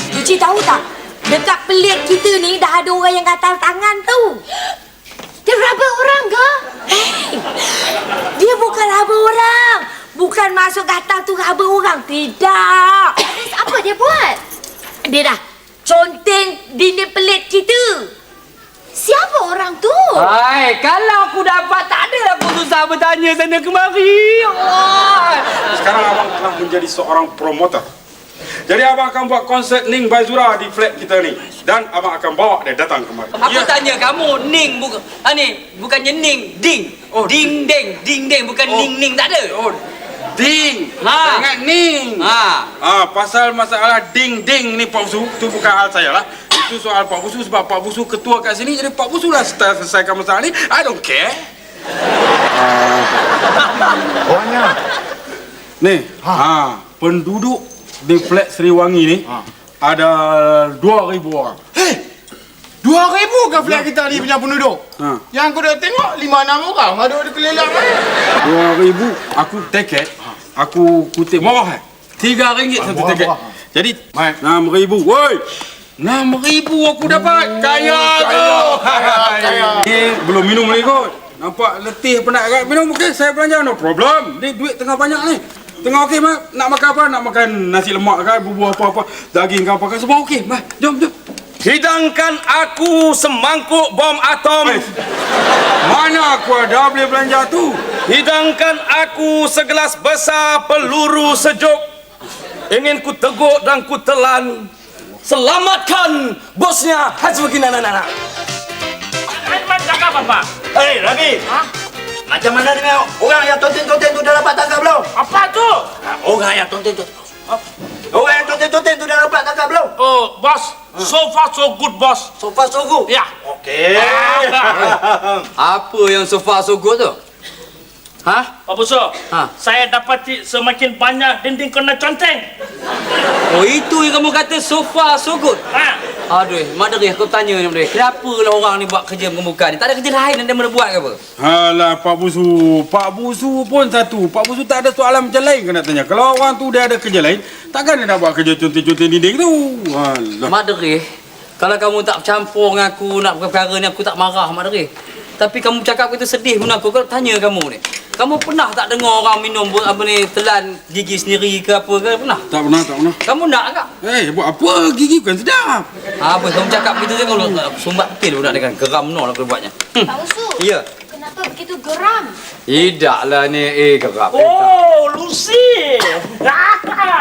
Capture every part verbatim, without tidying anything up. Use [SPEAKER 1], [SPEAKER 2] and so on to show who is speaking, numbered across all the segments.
[SPEAKER 1] Cuci tahu tak? Dekat pelik kita ni dah ada orang yang gatal tangan tu.
[SPEAKER 2] Dia raba orang ke?
[SPEAKER 1] Hey, dia bukan raba orang. Bukan masuk gatal tu raba orang. Tidak.
[SPEAKER 2] Terus apa dia buat?
[SPEAKER 1] Dia dah conteng dinding pelik kita.
[SPEAKER 2] Siapa orang tu?
[SPEAKER 3] Hai, kalau aku dapat tak adalah aku susah bertanya sana kemari. Allah.
[SPEAKER 4] Sekarang abang telah menjadi seorang promoter. Jadi abang akan buat konsert Ning Baizura di flat kita ni. Dan abang akan bawa dia datang kemari.
[SPEAKER 3] Aku ya. tanya kamu, Ning bukan ah ni, bukannya Ning, Ding.
[SPEAKER 4] Oh,
[SPEAKER 3] ding deng, ding deng bukan
[SPEAKER 4] oh.
[SPEAKER 3] Ning Ning tak ada.
[SPEAKER 4] Oh, Ding.
[SPEAKER 3] Ha.
[SPEAKER 4] Ingat Ning.
[SPEAKER 3] Ha.
[SPEAKER 4] Ah, pasal masalah ding ding ni Pak Busu, tu bukan hal saya lah. Itu soal Pak Busu sebab Pak Busu ketua kat sini, jadi Pak Busu lah selesaikan masalah ni. I don't care.
[SPEAKER 5] Orangnya.
[SPEAKER 4] Ni, ha. ha, penduduk di flat Seriwangi ni ha. ada dua ribu orang.
[SPEAKER 5] Hei! Dua ribu ke flat kita ni punya penduduk?
[SPEAKER 4] Ha.
[SPEAKER 5] Yang aku dah tengok lima enam orang ada di keliling ni.
[SPEAKER 4] Dua ribu, aku tiket, aku kutip murah eh. Tiga ringgit satu
[SPEAKER 5] Murah,
[SPEAKER 4] tiket.
[SPEAKER 5] murah.
[SPEAKER 4] Jadi,
[SPEAKER 5] Mai.
[SPEAKER 4] enam ribu. Woi! Enam ribu aku dapat. Kaya tu.
[SPEAKER 5] Kaya.
[SPEAKER 4] Ni belum minum lagi kot. Nampak letih penat agak minum. Okey, saya belanja. No problem. Ni duit tengah banyak ni. Tengah okey, Mak. Nak makan apa? Nak makan nasi lemak kan? Bubur apa-apa. Daging ke apa kan? Semua okey. Mak, jom, jom.
[SPEAKER 6] Hidangkan aku semangkuk bom atom.
[SPEAKER 4] Eh, mana aku ada boleh belanja tu?
[SPEAKER 6] Hidangkan aku segelas besar peluru sejuk. Ingin ku teguk dan ku telan. Selamatkan bosnya Haji Nana Nana.
[SPEAKER 7] Aiman cakap apa?
[SPEAKER 8] Hei, Rabi.
[SPEAKER 7] Hah?
[SPEAKER 8] Macam mana dengan orang yang tonten-tonten tu dah dapat tangkap belum?
[SPEAKER 7] Apa tu?
[SPEAKER 8] Nah, orang yang tonten-tonten. Orang yang tonten-tonten tu dah dapat tangkap belum?
[SPEAKER 7] Oh, bos. So far so good, bos.
[SPEAKER 8] So far so good.
[SPEAKER 7] Ya.
[SPEAKER 8] Okey.
[SPEAKER 3] Apa yang so far so good tu? Ha?
[SPEAKER 7] Pak Busu,
[SPEAKER 3] Ha.
[SPEAKER 7] saya dapati semakin banyak dinding kena conteng.
[SPEAKER 3] Oh, itu yang kamu kata so far so good.
[SPEAKER 7] Ha?
[SPEAKER 3] Aduh, Mak Derih, aku tanya ni, Mak Derih. Kenapa lah orang ni buat kerja mengemuka ni? Tak ada kerja lain yang dia mana buat ke apa?
[SPEAKER 4] Alah, Pak Busu. Pak Busu pun satu. Pak Busu tak ada soalan macam lain kena tanya. Kalau orang tu dia ada kerja lain, takkan dia nak buat kerja conteng-conteng dinding tu? Alah.
[SPEAKER 3] Mak Derih, kalau kamu tak campur dengan aku nak perkara ni, aku tak marah, Mak Derih. Tapi kamu cakap kita sedih pun aku. Kalau tanya kamu ni, kamu pernah tak dengar orang minum apa ni, telan gigi sendiri ke apa ke? Pernah?
[SPEAKER 4] Tak pernah, tak pernah.
[SPEAKER 3] Kamu nak tak?
[SPEAKER 4] Eh, buat apa? Gigi bukan sedap.
[SPEAKER 3] Apa kamu cakap begitu je kalau sumbat betul budak dengan geram no lah aku buatnya. Hmm.
[SPEAKER 2] Pak Usu.
[SPEAKER 3] Ya.
[SPEAKER 2] Kenapa begitu geram?
[SPEAKER 3] Tidaklah ni eh geram.
[SPEAKER 7] Oh, Lucy. Ah,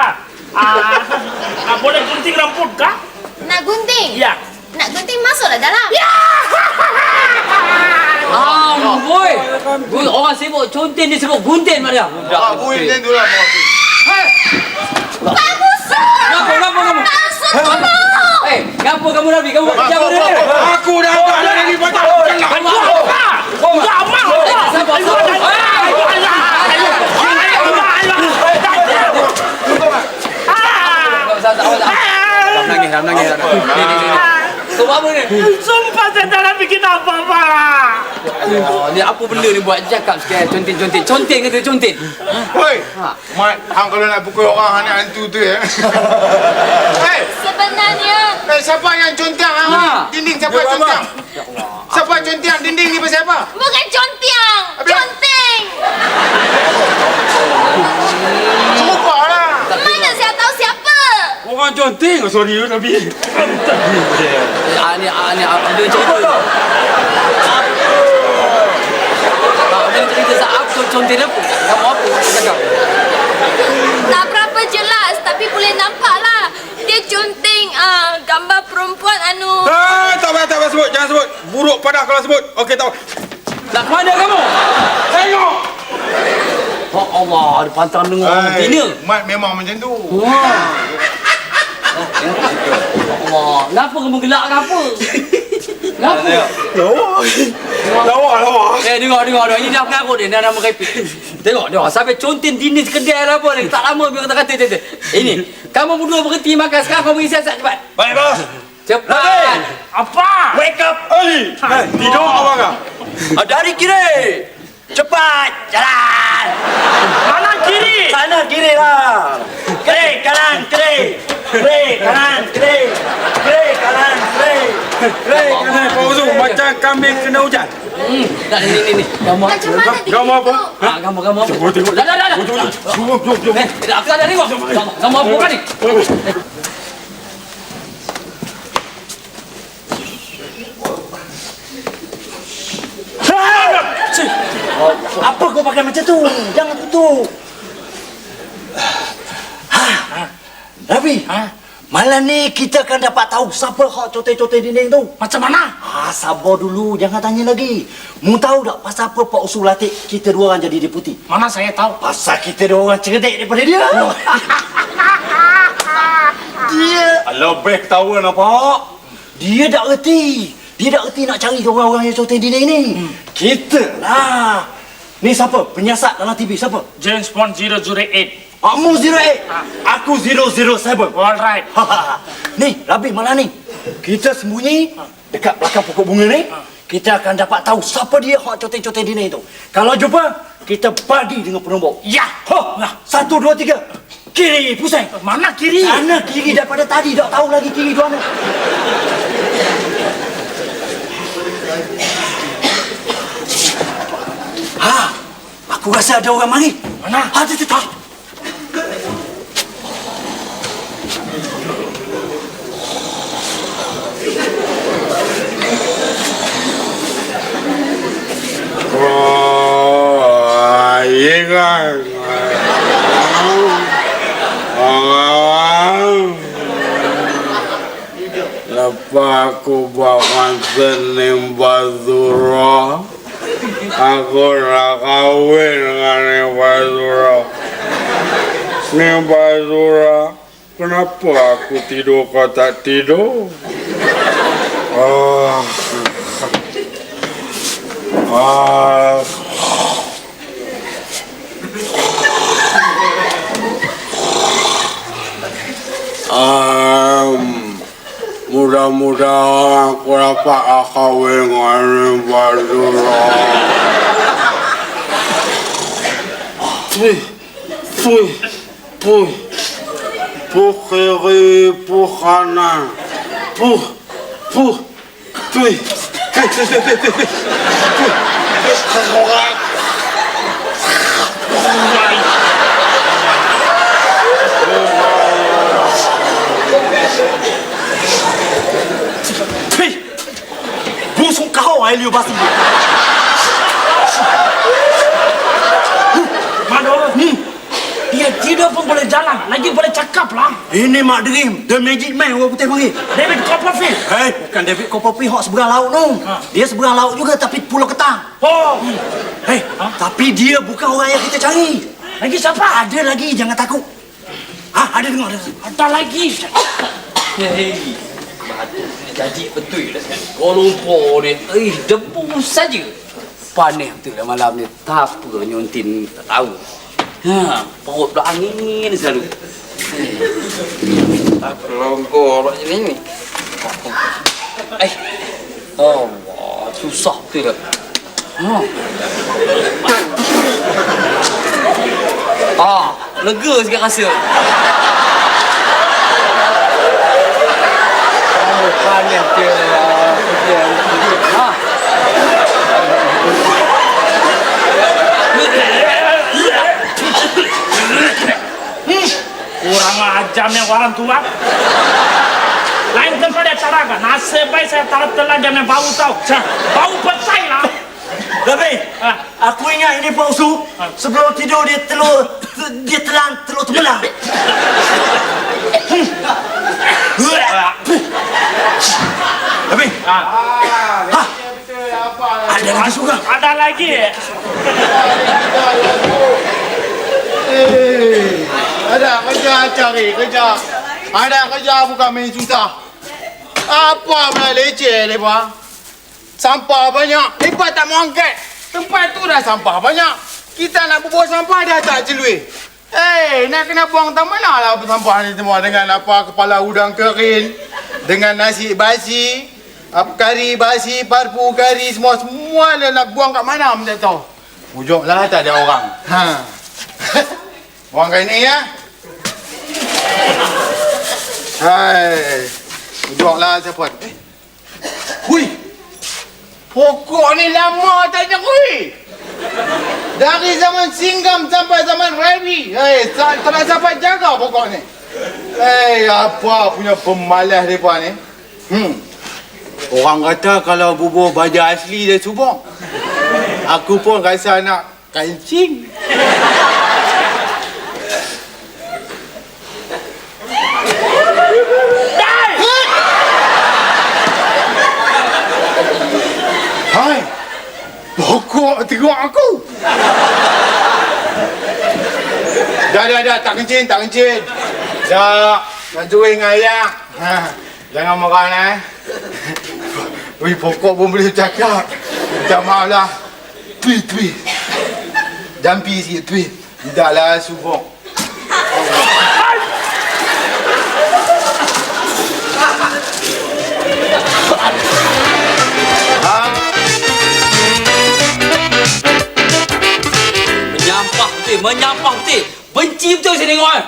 [SPEAKER 7] ah, boleh gunting rambut kah?
[SPEAKER 2] Nak gunting?
[SPEAKER 7] Ya.
[SPEAKER 2] Nak gunting masuklah dalam.
[SPEAKER 7] Ya.
[SPEAKER 3] Ah, boy. Boy, orang sibuk contin dia sebut gunting mak dia.
[SPEAKER 5] Ah, gunting tu lah.
[SPEAKER 2] Pak Usu.
[SPEAKER 3] Ngapa ngapa kamu?
[SPEAKER 2] Pak Usu tolong.
[SPEAKER 3] Eh, ngapa kamu Nabi? Kamu buat kerja apa dia?
[SPEAKER 4] Aku dah tak ada lagi baca.
[SPEAKER 7] Baju apa? Jamal.
[SPEAKER 3] Sabar, sabar. Dah nangis, dah nangis. Ni ni ni. Kau apa ni?
[SPEAKER 7] Sumpah saya tak nak bikin apa-apa.
[SPEAKER 3] Oh, ni apa benda ni buat cakap sikit contin-contin. Contin ke tu contin?
[SPEAKER 5] Hoi. Mat, hang kalau nak pukul orang hang nak hantu tu ya. Hei,
[SPEAKER 2] Sebenarnya
[SPEAKER 5] eh, siapa yang contang hang?
[SPEAKER 3] Ha.
[SPEAKER 5] Dinding siapa yang contang? Siapa yang contang dinding ni pasal apa?
[SPEAKER 2] bukan contiang, conting.
[SPEAKER 5] Serupa lah.
[SPEAKER 2] Mana saya tahu siapa?
[SPEAKER 4] Orang conteng. Sorry, Nabi.
[SPEAKER 3] Ah ni ah ni ada cerita. Ah ada cerita saat contin apa? Kamu apa cakap?
[SPEAKER 2] Tak berapa jelas tapi boleh nampak lah. Dia conting uh, gambar perempuan anu.
[SPEAKER 4] Ah, tak payah, tak payah sebut. Jangan sebut. Buruk padah kalau sebut. Okey, tak apa.
[SPEAKER 3] Nak ke mana kamu?
[SPEAKER 4] Tengok.
[SPEAKER 3] Oh Allah, ada pantang dengar orang betina.
[SPEAKER 5] Mat memang macam tu.
[SPEAKER 3] Wah. Allah, kenapa kamu gelak kenapa? Kenapa?
[SPEAKER 4] Lawa. Lawa, lawa.
[SPEAKER 3] Eh, tengok, tengok, tengok. Ini dah mengarut dia, dah nama repit. Tengok, tengok. Sampai contin dinding kedai lah apa ni. Tak lama biar kata-kata dia. Ini, kamu berdua berhenti makan. Sekarang kamu pergi siasat cepat.
[SPEAKER 8] Baik, bos.
[SPEAKER 3] Cepat.
[SPEAKER 7] Apa?
[SPEAKER 8] Wake up.
[SPEAKER 4] Ali, eh, tidur apa kah?
[SPEAKER 8] Ah, dari kiri. Cepat. Jalan.
[SPEAKER 7] Kanan kiri.
[SPEAKER 8] Kanan kiri lah. Kiri, kanan, kiri. Kiri, kanan, kiri.
[SPEAKER 4] macam kambing kena hujan.
[SPEAKER 3] Hmm, tak ni ni ni. Gambar.
[SPEAKER 2] Macam mana dia
[SPEAKER 4] Gambar apa?
[SPEAKER 3] Ha, gambar gambar.
[SPEAKER 4] Tengok, tengok.
[SPEAKER 3] Dah dah dah. dah.
[SPEAKER 4] Jom, jom, jom.
[SPEAKER 3] Eh, aku ada tengok. Gambar gambar apa kan ni?
[SPEAKER 8] Apa kau pakai macam tu? Jangan tutup. Ha. Rabi. Ha? Malam ni kita akan dapat tahu siapa hak cotai-cotai dinding tu.
[SPEAKER 7] Macam mana?
[SPEAKER 8] Ha, sabar dulu, jangan tanya lagi. Mu tahu tak pasal apa Pak Usul latih kita dua orang jadi deputi?
[SPEAKER 7] Mana saya tahu?
[SPEAKER 8] Pasal kita dua orang cerdik daripada dia. Dia
[SPEAKER 5] Lebih ketawa nampak.
[SPEAKER 8] dia tak reti. Dia tak reti nak cari orang-orang yang cotai dinding ni. Hmm. Kita lah. Ni siapa? Penyiasat dalam T V siapa?
[SPEAKER 7] James Bond zero zero eight.
[SPEAKER 8] Kamu zero eight. Aku zero zero seven.
[SPEAKER 7] Alright.
[SPEAKER 8] Ni, Rabi malam ni. Kita sembunyi dekat belakang pokok bunga ni. Kita akan dapat tahu siapa dia hak cotai-cotai dinding tu. Kalau jumpa, kita bagi dengan penombor.
[SPEAKER 7] Ya.
[SPEAKER 8] Ha, satu, dua, tiga. Kiri, pusing.
[SPEAKER 7] Mana kiri?
[SPEAKER 8] Sana kiri daripada tadi. Tak tahu lagi kiri dua mana. Ha, aku rasa ada orang mari.
[SPEAKER 7] Mana?
[SPEAKER 8] Ha, tu, tu, tu.
[SPEAKER 4] Oh, ingat. Lepas aku bawa senim Bazura, aku nak kahwin dengan Nim Bazura. Nim Bazura, kenapa aku tidur kau tak tidur? Oh. Ah. Um, mudah-mudahan aku dapat kahwin dengan Nim Bazura. Puh, puh, puh, puh kiri, puh kanan, puh, puh, puh.
[SPEAKER 8] Hei, busuk kau ai liu basi.
[SPEAKER 7] Mana orang? Hmm. Dia tidak pun boleh jalan, lagi boleh cakap lah.
[SPEAKER 8] Ini Mak Dream, The Magic Man orang putih panggil.
[SPEAKER 7] David Copperfield.
[SPEAKER 8] Hei, bukan David Copperfield hak seberang laut tu.
[SPEAKER 7] Ha.
[SPEAKER 8] Dia seberang laut juga tapi Pulau Ketang.
[SPEAKER 7] Oh.
[SPEAKER 8] Hei,
[SPEAKER 7] Ha?
[SPEAKER 8] tapi dia bukan orang yang kita cari.
[SPEAKER 7] Lagi siapa?
[SPEAKER 8] Ada lagi, jangan takut. Ha, ada dengar ada.
[SPEAKER 7] Ada lagi.
[SPEAKER 3] Hei. Batu ni jadi betul dah sekarang. Kuala Lumpur ni, eh debu saja. Panas betul lah malam ni. Tak apa nyuntin tak tahu. Ha, perut dah angin selalu. Tak kelonggor macam ni. Eh. Allah, susah betul lah. Ha. Ah, lega sikit rasa. Oh, panas dia. Ha.
[SPEAKER 7] Kurang ajarnya orang tua. Lain daripada cara kan. Nasib baik saya taruh telan jangan bau tahu. Bau petai lah.
[SPEAKER 8] Tapi,
[SPEAKER 7] Ha.
[SPEAKER 8] aku ingat ini Pak Usu. Sebelum tidur dia telur, dia telan telur tembelang. Tapi,
[SPEAKER 7] Ha.
[SPEAKER 8] ha, ada lagi juga.
[SPEAKER 7] Ada lagi.
[SPEAKER 5] Eh, ada kerja cari kerja. Ada kerja bukan main susah. Apa pula leceh lepas? Sampah banyak. Lepas tak mau angkat. Tempat tu dah sampah banyak. Kita nak berbuat sampah dah tak jelui. Eh, nak kena buang tak mana lah sampah ni semua dengan apa kepala udang kering, dengan nasi basi, apa kari basi, parpu kari semua semua dia nak buang kat mana tak tahu. Ujunglah tak ada orang. Ha. Buang kat ni ya. Hai. Ujunglah siapa? Eh. Hui. Pokok ni lama tak nyekui. Dari zaman Singgam sampai zaman Rabi. Eh, tak tak siapa jaga pokok ni. Eh, apa punya pemalas mereka ni. Hmm. Orang kata kalau bubur baja asli dia subur. Aku pun rasa nak kancing. Hai, pokok teruk aku. Dah, dah, dah, tak kencing, tak kencing. Dah, nak cuing ayah. Ha, jangan marah lah, eh. Wih, pokok pun boleh cakap. Minta maaf lah. Tui, tui. Jampi sikit, tui. Tidak lah, subur.
[SPEAKER 3] Menyampah betul, menyampah betul. Benci betul saya tengok kan.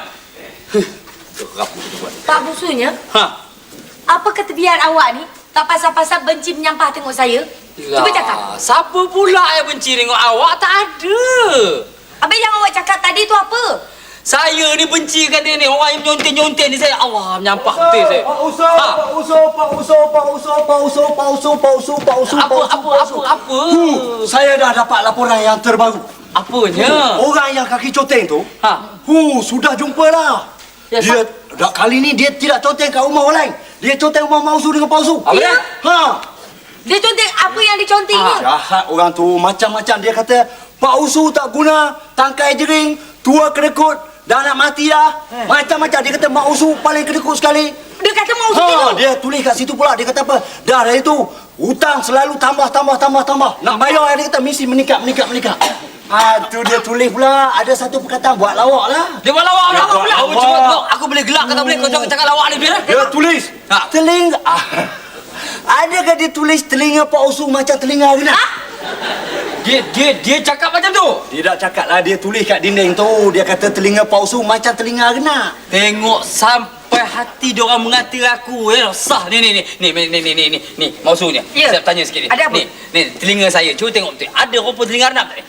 [SPEAKER 1] Pak Busunya,
[SPEAKER 3] Ha.
[SPEAKER 1] apa kata biar awak ni tak pasal-pasal benci menyampah tengok saya? Cuba cakap.
[SPEAKER 3] Siapa pula yang benci tengok awak? Tak ada.
[SPEAKER 1] Habis yang awak cakap tadi tu apa?
[SPEAKER 3] Saya ni benci kan dia ni. Orang yang menyontek-nyontek ni saya. Allah, menyampah betul saya.
[SPEAKER 8] Pak Uso, Pak Uso, Pak Uso, Pak Uso, Pak Uso, Pak Uso, Pak Uso, Pak Uso,
[SPEAKER 3] Apa, apa, apa, apa?
[SPEAKER 8] Hu, saya dah dapat laporan yang terbaru.
[SPEAKER 3] Apanya?
[SPEAKER 8] Orang yang kaki coteng tu,
[SPEAKER 3] Ha.
[SPEAKER 8] hu, sudah jumpa lah.
[SPEAKER 3] Ya,
[SPEAKER 8] Dia, dah, kali ni dia tidak coteng kat rumah orang lain. Dia coteng rumah Mak Usu dengan Pak Usu.
[SPEAKER 3] Apa dia?
[SPEAKER 8] Ha.
[SPEAKER 1] Dia contek apa yang dicontek ni?
[SPEAKER 8] Jahat orang tu, macam-macam. Dia kata, Pak Usu tak guna, tangkai jering, tua kedekut, dah nak mati dah.
[SPEAKER 3] Eh.
[SPEAKER 8] Macam-macam. Dia kata, Mak Usu paling kedekut sekali.
[SPEAKER 1] Dia kata mau
[SPEAKER 8] Ha,
[SPEAKER 1] ha,
[SPEAKER 8] dia tulis kat situ pula. Dia kata apa? Dah dari itu, hutang selalu tambah, tambah, tambah, tambah. Nak bayar, dia kata, mesti meningkat, meningkat, meningkat. Ah, tu dia tulis pula. Ada satu perkataan, buat lawak lah.
[SPEAKER 3] Dia buat lawak,
[SPEAKER 8] Dia
[SPEAKER 3] lawak
[SPEAKER 8] buat
[SPEAKER 3] pula. Aku
[SPEAKER 8] lawak.
[SPEAKER 3] cuba tengok. Aku boleh gelak kata boleh. Kau jangan cakap lawak ni, Bila.
[SPEAKER 8] Dia tulis,
[SPEAKER 3] Ha.
[SPEAKER 8] telinga. Ah. Adakah dia tulis telinga Pak Usu macam telinga Rina?
[SPEAKER 3] Dia dia dia cakap macam tu.
[SPEAKER 8] Dia tak cakap lah, dia tulis kat dinding tu. Dia kata telinga Pak Usu macam telinga Rina.
[SPEAKER 3] Tengok sampai hati dia orang mengata aku ya. Sah ni ni ni ni ni ni ni ni ni. Ni maksudnya.
[SPEAKER 1] Ya.
[SPEAKER 3] Saya tanya sikit ni.
[SPEAKER 1] Ada apa?
[SPEAKER 3] Ni ni telinga saya. Cuba tengok betul. Ada rupa telinga renap tak ni?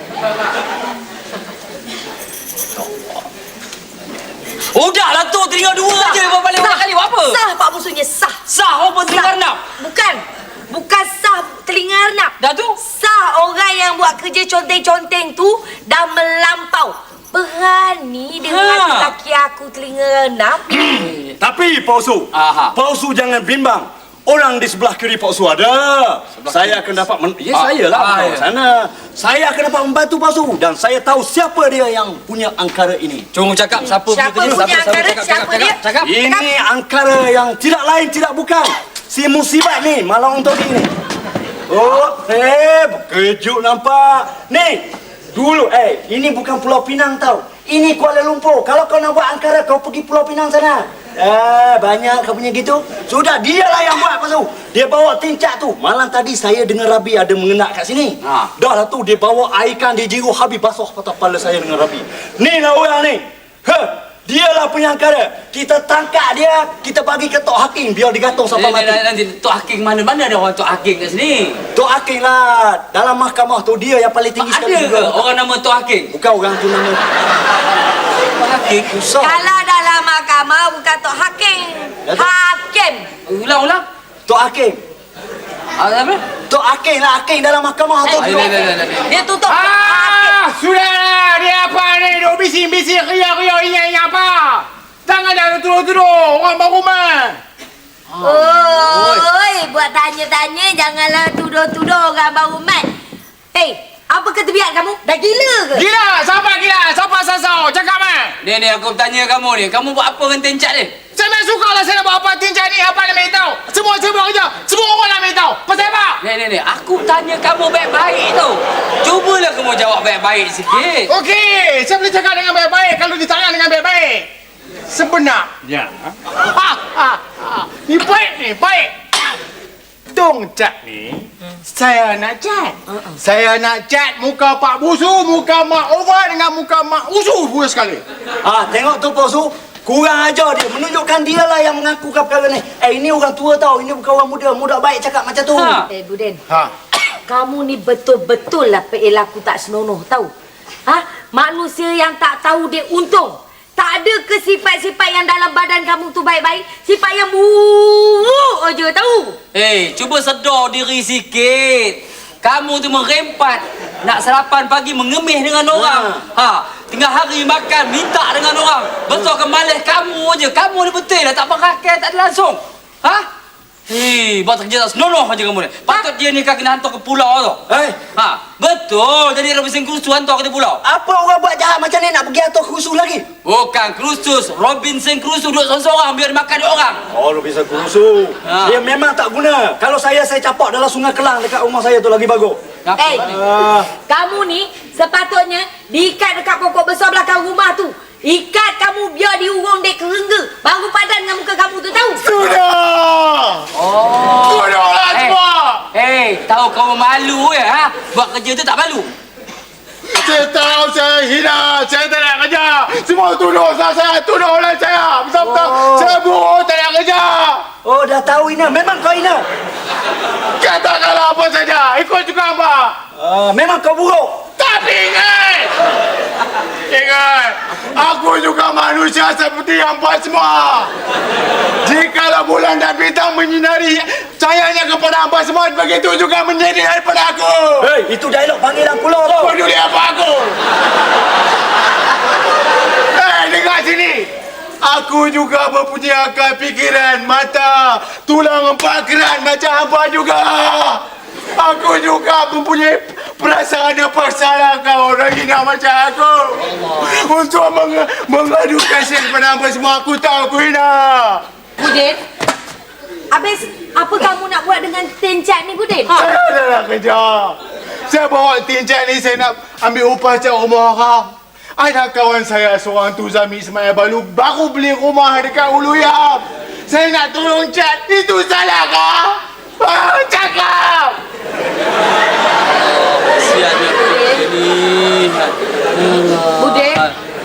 [SPEAKER 3] Udahlah tu telinga dua aja balik orang kali buat apa?
[SPEAKER 1] Sah Pak Busunya, sah.
[SPEAKER 3] Sah rupa telinga renap.
[SPEAKER 1] Bukan. Bukan sah telinga renap.
[SPEAKER 3] Dah tu?
[SPEAKER 1] Sah orang yang buat kerja conteng-conteng tu dah melampau. Berani dengan
[SPEAKER 3] Ha.
[SPEAKER 1] laki aku telinga renap.
[SPEAKER 8] Tapi Pak Usu,
[SPEAKER 3] Aha.
[SPEAKER 8] Pak Usu jangan bimbang. Orang di sebelah kiri Pak Usu ada. Saya akan dapat men- ya,
[SPEAKER 3] Ah,
[SPEAKER 8] saya lah
[SPEAKER 3] ah,
[SPEAKER 8] ah,
[SPEAKER 3] ya.
[SPEAKER 8] sana. Saya akan dapat membantu Pak Usu dan saya tahu siapa dia yang punya angkara ini.
[SPEAKER 3] Cuma cakap siapa
[SPEAKER 1] Siapa
[SPEAKER 3] telinga,
[SPEAKER 1] punya angkara?
[SPEAKER 3] cakap,
[SPEAKER 1] Siapa
[SPEAKER 3] cakap,
[SPEAKER 1] dia?
[SPEAKER 3] cakap, cakap.
[SPEAKER 8] Ini angkara yang tidak lain tidak bukan. Si musibat ni malang untuk ini. Oh, eh, kejut nampak. Ni, dulu eh, ini bukan Pulau Pinang tau. Ini Kuala Lumpur. Kalau kau nak buat angkara, kau pergi Pulau Pinang sana. Eh, banyak kau punya gitu. Sudah, dialah yang buat pasal. Dia bawa tincak tu. Malam tadi saya dengar Rabi ada mengenak kat sini.
[SPEAKER 3] Ha.
[SPEAKER 8] Dah lah tu, dia bawa air ikan, dia jiru habis basuh patah kepala saya dengan Rabi. Ni lah orang ni. Heh. Dialah punya angkara. Kita tangkap dia, kita bagi ke Tok Hakim biar digantung sampai
[SPEAKER 3] Nanti,
[SPEAKER 8] mati.
[SPEAKER 3] nanti Tok Hakim mana? Mana ada orang Tok Hakim kat sini?
[SPEAKER 8] Tok Hakim lah. Dalam mahkamah tu dia yang paling tinggi
[SPEAKER 3] Ada
[SPEAKER 8] sekali
[SPEAKER 3] ke orang nama Tok Hakim?
[SPEAKER 8] Bukan orang tu nama.
[SPEAKER 3] Tok Hakim?
[SPEAKER 8] Usah.
[SPEAKER 1] Kalau dalam mahkamah bukan Tok Hakim.
[SPEAKER 8] Ya, Tok.
[SPEAKER 1] Hakim.
[SPEAKER 3] Ulang, ulang.
[SPEAKER 8] Tok Hakim.
[SPEAKER 3] Ah, apa?
[SPEAKER 8] Tok Hakim lah. Hakim dalam mahkamah tu.
[SPEAKER 3] Ah, ini, ini, ini, ini.
[SPEAKER 1] Dia tutup Tok Hakim.
[SPEAKER 5] Ah, sudahlah. Dia apa ni? Duk bising-bising, riak-riak, ingat-ingat apa? Jangan dah turun-turun. Orang baru rumah.
[SPEAKER 1] Oi, buat tanya-tanya janganlah tuduh-tuduh orang baru mat. Hei, apa kata biar kamu? Dah gila ke?
[SPEAKER 5] Gila. Siapa gila? Siapa sasau? Cakap mah.
[SPEAKER 3] Ni, ni aku tanya kamu ni. Kamu buat apa dengan tencak ni?
[SPEAKER 5] Saya memang suka lah saya nak buat apa. Tincak ni apa nak main tahu. Semua saya buat kerja. Semua orang nak main tahu. Pasal apa?
[SPEAKER 3] Ni, ni, ni. Aku tanya kamu baik-baik tu. Cubalah kamu jawab baik-baik sikit.
[SPEAKER 5] Okey. Saya boleh cakap dengan baik-baik kalau ditanya dengan baik-baik. Sebenarnya. Ha, ha, ha. Ni baik ni. Baik. Tung cat ni. Saya nak cat. Saya nak cat muka Pak Busu, muka Mak Ova dengan muka Mak Usu pula sekali.
[SPEAKER 8] Ah, tengok tu Pak Usu. Kurang ajar dia. Menunjukkan dia lah yang mengaku perkara ni. Eh, ini orang tua tau. Ini bukan orang muda. Muda baik cakap macam tu.
[SPEAKER 3] Ha.
[SPEAKER 1] Eh, Buden.
[SPEAKER 5] Ha.
[SPEAKER 1] Kamu ni betul-betul lah perilaku tak senonoh tahu. Ha? Manusia yang tak tahu dia untung. Tak ada ke sifat-sifat yang dalam badan kamu tu baik-baik. Sifat yang buruk aja tahu.
[SPEAKER 3] Eh, hey, cuba sedar diri sikit. Kamu tu merempat. Nak sarapan pagi mengemih dengan orang. Ha, tengah hari makan minta dengan orang. Besar ke malas kamu aja. Kamu ni betul lah tak berakhir, tak ada langsung. Ha? Hei, buat kerja tak senonoh aja kamu ni. Patut dia ni kan kena hantar ke pulau tu.
[SPEAKER 8] Eh,
[SPEAKER 3] Ha, betul. Jadi Robinson Crusoe hantar ke pulau.
[SPEAKER 8] apa orang buat jahat macam ni nak pergi atur khusus lagi?
[SPEAKER 3] Bukan Crusoe, Robinson Crusoe duduk seorang-seorang biar dia makan dia orang.
[SPEAKER 8] Oh, lu bisa khusus.
[SPEAKER 3] Ha.
[SPEAKER 8] Dia memang tak guna. Kalau saya, saya capak dalam sungai Kelang dekat rumah saya tu lagi bagus.
[SPEAKER 3] Apa
[SPEAKER 1] Eh,
[SPEAKER 3] ni?
[SPEAKER 8] Ah,
[SPEAKER 1] kamu ni sepatutnya diikat dekat pokok besar belakang rumah tu. Ikat kamu biar diurung dek kerengga. Baru padan dengan muka kamu tu tahu.
[SPEAKER 5] Sudah!
[SPEAKER 3] Oh.
[SPEAKER 5] Sudahlah
[SPEAKER 3] Eh,
[SPEAKER 5] semua!
[SPEAKER 3] eh, tahu kamu malu ya, ha? Buat kerja tu tak malu.
[SPEAKER 5] Saya tahu saya hina, saya tak nak kerja. Semua tuduh saya, tuduh oleh saya. Betul-betul,
[SPEAKER 8] Oh.
[SPEAKER 5] saya buruk, tak nak kerja.
[SPEAKER 8] oh, dah tahu Ina. Memang kau Ina.
[SPEAKER 5] Katakanlah apa saja, ikut juga apa.
[SPEAKER 8] Ah, memang kau buruk.
[SPEAKER 5] Tapi ingat, ingat, aku juga manusia seperti hampa semua. Jikalau bulan dan bintang menyinari cahayanya kepada hampa semua, begitu juga menyinari pada aku.
[SPEAKER 8] Hei, itu dialog panggilan pulau tau.
[SPEAKER 5] Peduli apa aku? Eh, dengar sini. Aku juga mempunyai akal fikiran, mata, tulang empat kerat macam hampa juga. Aku juga mempunyai perasaan dan persalahkan orang hina macam aku. Untuk meng mengadu kasih kepada hampa semua, aku tahu aku hina.
[SPEAKER 1] Budin, habis apa kamu nak buat dengan tencat ni Budin?
[SPEAKER 5] Saya dah nak kerja. Saya bawa tinjak ni, saya nak ambil upah cat rumah orang. Ada kawan saya seorang tu Zami Ismail Balu baru beli rumah dekat Uluyam. Saya nak tolong cat. Itu salah kah? Ah, cakap!
[SPEAKER 3] Kesiannya ini.
[SPEAKER 1] Budin.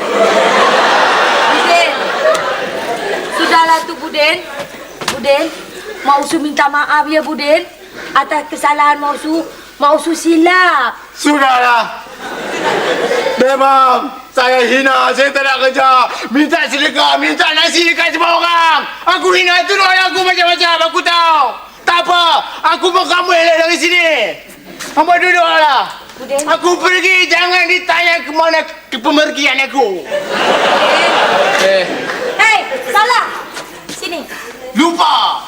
[SPEAKER 1] Budin. Sudahlah tu Budin. Budin, Mak Usu minta maaf ya Budin. Atas kesalahan Mak Usu. Mak Usu silap.
[SPEAKER 5] Sudahlah. Memang saya hina, saya tak nak kerja. Minta sedekah, minta nasi dekat semua orang. Aku hina tu orang aku macam-macam, aku tahu. Tak apa, aku pun kamu elak dari sini. Hamba duduklah.
[SPEAKER 1] Budin.
[SPEAKER 5] Aku pergi, jangan ditanya ke mana ke pemergian aku.
[SPEAKER 3] Eh,
[SPEAKER 1] Hei, salah. Sini.
[SPEAKER 5] Lupa.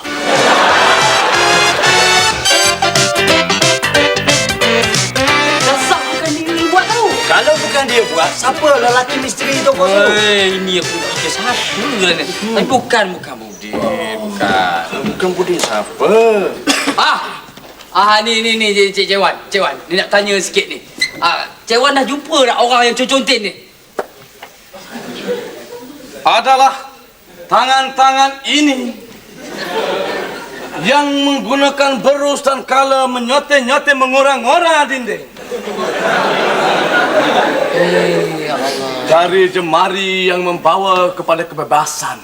[SPEAKER 3] dasar bukan diri buat tau.
[SPEAKER 8] Kalau bukan dia buat, siapa lelaki misteri tu kau suruh?
[SPEAKER 3] Eh, ini aku fikir siapa lah ni. Tapi bukan, bukan Budin. Bukan.
[SPEAKER 8] Bukan Budin siapa?
[SPEAKER 3] Ah, ah ni ni ni Cik Cik Wan, Cik Wan, ni nak tanya sikit ni. Ah, Cik Wan dah jumpa tak orang yang contin ni?
[SPEAKER 6] Adalah tangan-tangan ini yang menggunakan berus dan kala menyote-nyote mengorang-orang dinding.
[SPEAKER 3] Eh, ya Allah.
[SPEAKER 6] Jari jemari yang membawa kepada kebebasan.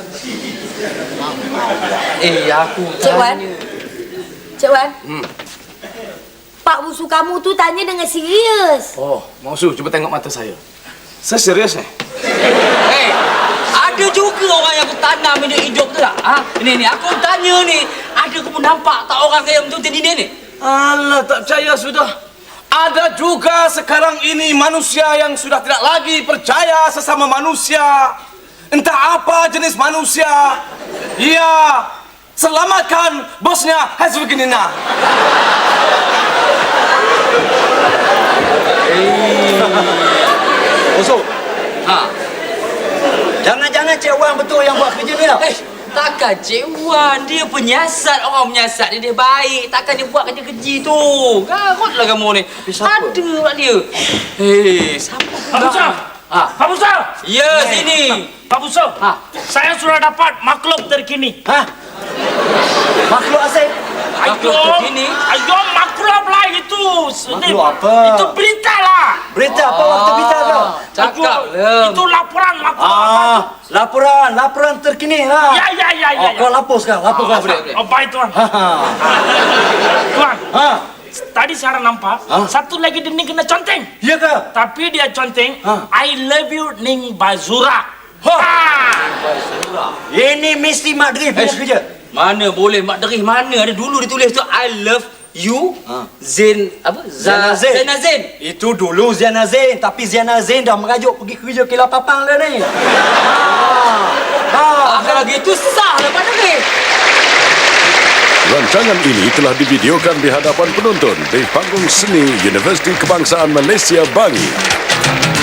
[SPEAKER 3] Eh, aku
[SPEAKER 1] Cik Wan.
[SPEAKER 3] tanya.
[SPEAKER 1] Cik Wan.
[SPEAKER 6] Hmm.
[SPEAKER 1] Pak Usu kamu tu tanya dengan serius.
[SPEAKER 6] Oh, Mausu, cuba tengok mata saya. Saya serius ni.
[SPEAKER 3] Eh, ada juga orang yang aku tanam hidup hidup tu tak? Ha? Ni ni aku tanya ni, ada kamu nampak tak orang yang contin ini ni?
[SPEAKER 6] Alah, tak percaya sudah. Ada juga sekarang ini manusia yang sudah tidak lagi percaya sesama manusia. Entah apa jenis manusia. Ya, selamatkan bosnya Hazbukinina.
[SPEAKER 8] Usul.
[SPEAKER 3] Ha.
[SPEAKER 8] Jangan-jangan Cik Wan betul yang buat kerja ni tau.
[SPEAKER 3] Eh, takkan Cik Wan, dia penyiasat, orang menyiasat dia, dia baik. Takkan dia buat kerja-kerja tu. Garutlah kamu ni.
[SPEAKER 8] siapa?
[SPEAKER 3] Ada pula dia. Hei, siapa
[SPEAKER 7] Pak
[SPEAKER 3] pula?
[SPEAKER 7] Busa.
[SPEAKER 3] Ha.
[SPEAKER 7] Pak Busa.
[SPEAKER 3] Ya, sini.
[SPEAKER 7] Pak Busa.
[SPEAKER 3] Ha.
[SPEAKER 7] Saya sudah dapat makhluk terkini.
[SPEAKER 8] Hah? Makhluk asing?
[SPEAKER 3] Makhluk
[SPEAKER 7] Ayo,
[SPEAKER 3] terkini?
[SPEAKER 7] ayo makhluk lah itu.
[SPEAKER 8] Makhluk apa?
[SPEAKER 7] Itu berita lah.
[SPEAKER 8] Berita apa waktu berita kau?
[SPEAKER 3] Cakap
[SPEAKER 7] Itu-
[SPEAKER 3] ya.
[SPEAKER 7] Itu laporan, laporan.
[SPEAKER 8] Ah, laporan, laporan terkini ha.
[SPEAKER 7] Ya, ya, ya, ya.
[SPEAKER 8] Oh, kau lapor sekarang, lapor kau.
[SPEAKER 7] Oh, baik tuan.
[SPEAKER 8] Ha ha.
[SPEAKER 7] Tuan,
[SPEAKER 8] Ha.
[SPEAKER 7] tadi saya nampak
[SPEAKER 8] Ah.
[SPEAKER 7] satu lagi dia ni kena conteng.
[SPEAKER 8] Ya ke?
[SPEAKER 7] Tapi dia conteng,
[SPEAKER 8] Ah.
[SPEAKER 7] I love you Ning Bazura.
[SPEAKER 8] Ha.
[SPEAKER 7] Ah.
[SPEAKER 8] Ini mesti Mak Dri punya
[SPEAKER 3] Eh,
[SPEAKER 8] kerja.
[SPEAKER 3] Mana boleh Mak Derih, mana ada dulu ditulis tu I love you
[SPEAKER 8] Ha.
[SPEAKER 3] Zain apa?
[SPEAKER 8] Zainal
[SPEAKER 3] Za-
[SPEAKER 8] Zain.
[SPEAKER 3] Zainal Zain.
[SPEAKER 8] Itu dulu Ziana Zain, tapi Ziana Zain dah merajuk pergi kerja Kilau Papang dah ni. Ha. Ha.
[SPEAKER 3] Ah, kalau gitu sah lah Mak Derih.
[SPEAKER 9] Rancangan ini telah divideokan di hadapan penonton di panggung seni Universiti Kebangsaan Malaysia Bangi.